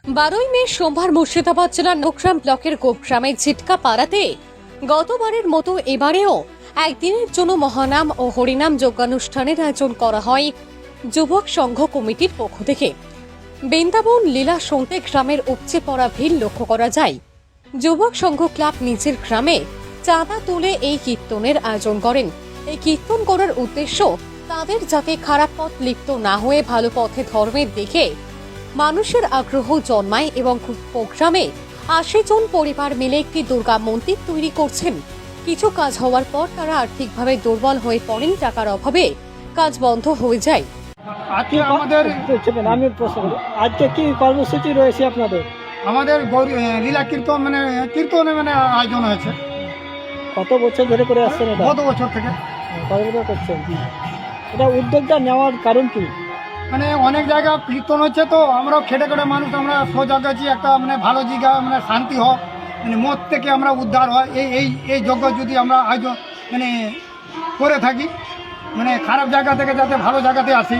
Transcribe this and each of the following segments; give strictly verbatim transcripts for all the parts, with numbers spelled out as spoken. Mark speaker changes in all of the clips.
Speaker 1: বারোই মে সোমবার মুর্শিদাবাদ জেলার নোকগ্রাম ব্লকের গোপগ্রামের ঝিটকা পাড়াতে গতবারের মতো এবারেও একদিনের জন্য মহানাম ও হরিনাম যজ্ঞানুষ্ঠানের আয়োজন করা হয় যুবক সংঘ কমিটির পক্ষ থেকে। বৃন্দাবন লীলা শুনতে গ্রামের উপচে পড়া ভিড় লক্ষ্য করা যায়। যুবক সংঘ ক্লাব নিজের গ্রামে চাঁদা তুলে এই কীর্তনের আয়োজন করেন। এই কীর্তন করার উদ্দেশ্য তাদের যাতে খারাপ পথ লিপ্ত না হয়ে ভালো পথে ধর্মের দিকে মানুষের আগ্রহ জন্মায় এবং প্রোগ্রামে আশি জন পরিবার মিলে একটি দুর্গা মন্দির তৈরি করছেন। কিছু কাজ হওয়ার পর তারা আর্থিকভাবে দুর্বল হয়ে পড়েন, টাকার অভাবে কাজ বন্ধ হয়ে যায়।
Speaker 2: আজকে আমাদের
Speaker 3: আমি প্রশ্ন করি, আজকে কি কর্মসূচি রয়েছে আপনাদের?
Speaker 2: আমাদের গৌরী লীলা কীর্তন মানে কীর্তনে মানে আয়োজন হয়েছে
Speaker 3: কত বছর ধরে করে আসছেন এটা?
Speaker 2: গত বছর থেকে।
Speaker 3: কত বছর করছেন? এটা উদ্যোগটা নেওয়ার কারণ কি?
Speaker 2: মানে অনেক জায়গা কীর্তন হচ্ছে, তো আমরাও খেটে খেটে মানুষ, আমরা সজাগ আছি একটা মানে ভালো জায়গা মানে শান্তি হোক, মানে মত থেকে আমরা উদ্ধার হয়, এই এই এই যজ্ঞ যদি আমরা আয়োজন মানে করে থাকি, মানে খারাপ জায়গা থেকে যাতে ভালো জায়গাতে আসি।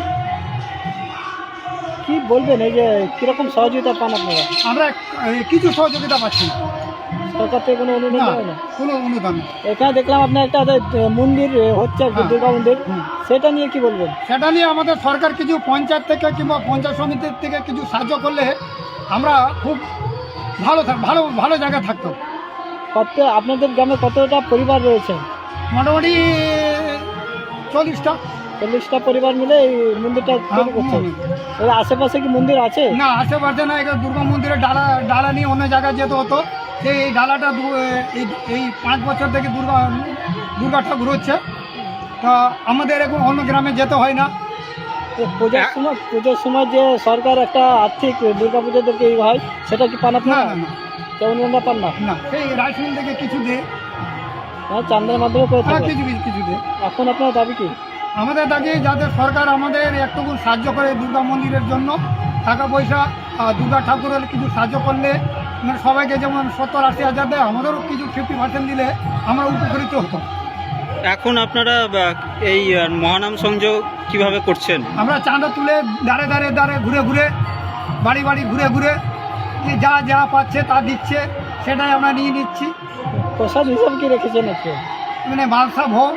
Speaker 3: কি বলবেন, এই যে কিরকম সহযোগিতা পান আপনারা?
Speaker 2: আমরা এই, কিছু সহযোগিতা পাচ্ছি না,
Speaker 3: সরকার থেকে কোনো অনুদান
Speaker 2: না,
Speaker 3: দেয় না?
Speaker 2: কোনো অনুদান না।
Speaker 3: এখানে দেখলাম আপনার একটা মন্দির হচ্ছে,
Speaker 2: হ্যাঁ।
Speaker 3: দুর্গা মন্দির,
Speaker 2: হুম।
Speaker 3: সেটা নিয়ে কি বলবেন?
Speaker 2: সেটা নিয়ে আমাদের সরকার কিছু পঞ্চায়েত থেকে কিংবা পঞ্চায়েত সমিতির থেকে কিছু সাহায্য করলে আমরা খুব ভালো থাক- ভালো ভালো জায়গায় থাকতাম।
Speaker 3: কত আপনাদের গ্রামে কতটা পরিবার রয়েছে?
Speaker 2: মোটামুটি চল্লিশটা।
Speaker 3: চল্লিশটা পরিবার মিলে এই মন্দিরটা তৈরি করছে। এর আশেপাশে কি মন্দির আছে?
Speaker 2: না, আশেপাশে না, এখানে দুর্গা মন্দিরের ডালা ডালা নিয়ে অন্য জায়গায় যেতে হতো। সেই এই ডালাটা দু- এই এই পাঁচ বছর থেকে দুর্গা দুর্গা ঠাকুর হচ্ছে, তা আমাদের এখন অন্য গ্রামে যেতে হয় না।
Speaker 3: তো পুজোর সময় পুজোর সময় যে সরকার একটা আর্থিক দুর্গা পুজোদেরকে এই হয়, সেটা কি পান
Speaker 2: না
Speaker 3: আপনারা?
Speaker 2: না না
Speaker 3: কেমন আমরা পান না?
Speaker 2: না, সেই রাইসমিল থেকে কিছু দে,
Speaker 3: হ্যাঁ, চান্দার মাধ্যমে করে
Speaker 2: হ্যাঁ,
Speaker 3: থাকে।
Speaker 2: কিছু কিছু কিছু দে।
Speaker 3: এখন আপনার দাবি কি?
Speaker 2: আমাদের দাবি যাতে সরকার আমাদের একটুকু সাহায্য করে দুর্গা মন্দিরের জন্য, টাকা পয়সা আর দুর্গা ঠাকুরের কিছু সাহায্য করলে, মানে সবাইকে যেমন সত্তর আশি হাজার দেয়, আমাদেরও কিছু ফিফটি পার্সেন্ট দিলে আমরা উপকৃত হতাম।
Speaker 4: এখন আপনারা বা, এই আহ, মহানাম সংযোগ কিভাবে করছেন?
Speaker 2: আমরা চাঁদা তুলে দাঁড়ে দাঁড়ে দাঁড়ে ঘুরে ঘুরে বাড়ি বাড়ি ঘুরে ঘুরে যে যা যা পাচ্ছে তা দিচ্ছে, সেটাই আমরা নিয়ে নিচ্ছি।
Speaker 3: প্রসাদ হিসাব কি রেখেছেন একটু?
Speaker 2: মানে মালসা ভোগ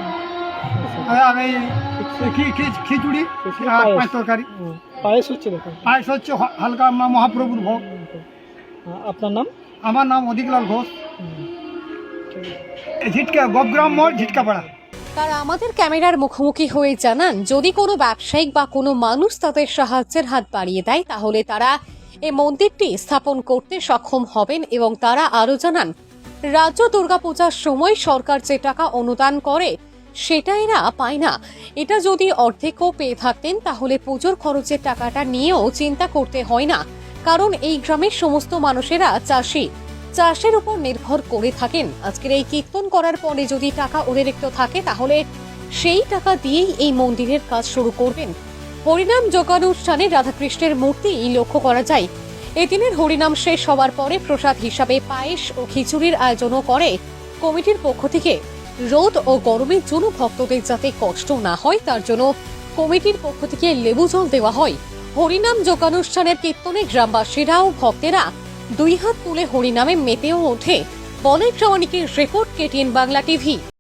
Speaker 2: আর এই খি- খি- খিচুড়ি আর পাঁচ তরকারি,
Speaker 3: হুম, পায়েস হচ্ছে দেখুন।
Speaker 2: পায়েস হচ্ছে হ- হালকা আমরা মহাপ্রভুর ভোগ।
Speaker 3: হ্যাঁ, আপনার নাম?
Speaker 2: আমার নাম অধিকলাল ঘোষ,
Speaker 3: হুম, ঠিক আছে।
Speaker 2: ঝিটকা গোপগ্রাম মোড়, ঝিটকাপাড়া।
Speaker 1: তারা আমাদের ক্যামেরার মুখোমুখি হয়ে জানান, যদি কোনো ব্যবসায়িক বা কোনো মানুষ তাদের সাহায্যের হাত বাড়িয়ে দেয় তাহলে তারা এই মন্দিরটি স্থাপন করতে সক্ষম হবেন। এবং তারা আরও জানান, রাজ্য দুর্গাপূজার সময় সরকার যে টাকা অনুদান করে সেটা এরা পায় না। এটা যদি অর্ধেকও পেয়ে থাকতেন তাহলে পুজোর খরচের টাকাটা নিয়েও চিন্তা করতে হয় না, কারণ এই গ্রামের সমস্ত মানুষেরা চাষি, চাষের উপর নির্ভর করে থাকেন। আজকের এই কীর্তন করার পরে যদি টাকা অতিরিক্ত থাকে তাহলে সেই টাকা দিয়েই এই মন্দিরের কাজ শুরু করবেন। হরিনাম যজ্ঞানুষ্ঠানে রাধাকৃষ্ণের মূর্তি লক্ষ্য করা যায়। এদিনের হরিনাম শেষ হওয়ার পরে প্রসাদ হিসাবে পায়েস ও খিচুড়ির আয়োজনও করে কমিটির পক্ষ থেকে। রোদ ও গরমের জন্য ভক্তদের যাতে কষ্ট না হয় তার জন্য কমিটির পক্ষ থেকে লেবু জল দেওয়া হয়। হরিনাম যজ্ঞানুষ্ঠানের কীর্তনে গ্রামবাসীরা ও ভক্তেরা দুই হাত তুলে হরিনামে মেতেও ওঠে। বলে প্রামাণিকের রিপোর্ট, কেটিএন বাংলা টিভি।